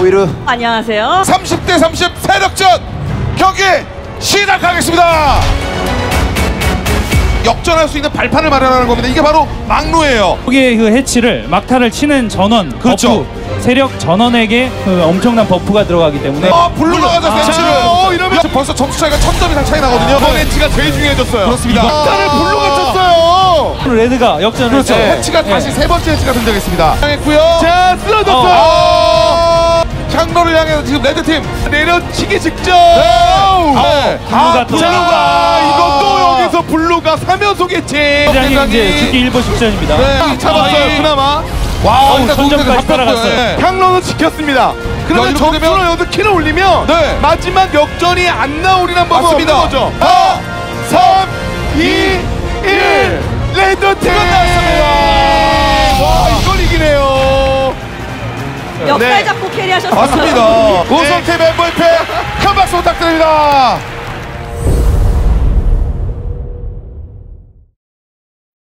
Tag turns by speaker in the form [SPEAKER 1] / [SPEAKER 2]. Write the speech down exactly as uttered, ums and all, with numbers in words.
[SPEAKER 1] 오이루.
[SPEAKER 2] 안녕하세요.
[SPEAKER 3] 삼십 대 삼십 세력전 경기 시작하겠습니다. 역전할 수 있는 발판을 마련하는 겁니다. 이게 바로 막루예요.
[SPEAKER 4] 여기에 그 해치를 막타를 치는 전원
[SPEAKER 3] 그렇죠.
[SPEAKER 4] 버프, 세력 전원에게 그 엄청난 버프가 들어가기 때문에
[SPEAKER 3] 아, 블루가 가자
[SPEAKER 4] 아,
[SPEAKER 3] 해치를.
[SPEAKER 4] 어,
[SPEAKER 3] 이러면 벌써 점수 차이가 천 점 이상 차이 나거든요. 이번 해치가 제일 중요해졌어요. 그렇습니다. 막타를 블루가 쳤어요.
[SPEAKER 4] 레드가 역전을
[SPEAKER 3] 그렇죠.
[SPEAKER 4] 했죠.
[SPEAKER 3] 해치가
[SPEAKER 4] 네.
[SPEAKER 3] 다시 세 번째 해치가 등장했습니다. 했고요.
[SPEAKER 5] 자, 쓰러졌어요.
[SPEAKER 3] 아, 향로를 향해 지금 레드팀
[SPEAKER 5] 내려치기 직전.
[SPEAKER 3] 네.
[SPEAKER 4] 블루가 또
[SPEAKER 5] 블루가 이것도 여기서 블루가 삼 연속 개치.
[SPEAKER 4] 굉장히 이제 죽기 일보 직전입니다.
[SPEAKER 3] 네,
[SPEAKER 5] 잡았어요.
[SPEAKER 3] 아,
[SPEAKER 5] 그나마
[SPEAKER 3] 와,
[SPEAKER 4] 어우, 선점까지 따라갔어요.
[SPEAKER 3] 네.
[SPEAKER 5] 향로는 지켰습니다. 그러면
[SPEAKER 3] 이렇게 되면-
[SPEAKER 5] 점수로 여기서 킬을 올리면
[SPEAKER 3] 네.
[SPEAKER 5] 마지막 역전이 안 나오리란 법은
[SPEAKER 3] 맞습니다.
[SPEAKER 5] 없는 거죠.
[SPEAKER 3] 사,
[SPEAKER 5] 삼, 이, 일. 레드팀
[SPEAKER 3] 나왔습니다.
[SPEAKER 5] 와, 이걸 이기네요.
[SPEAKER 2] 역할
[SPEAKER 5] 네.
[SPEAKER 2] 잡고 캐리하셨어요.
[SPEAKER 3] 맞습니다. 우승팀 엠브이피 큰 박수 부탁드립니다.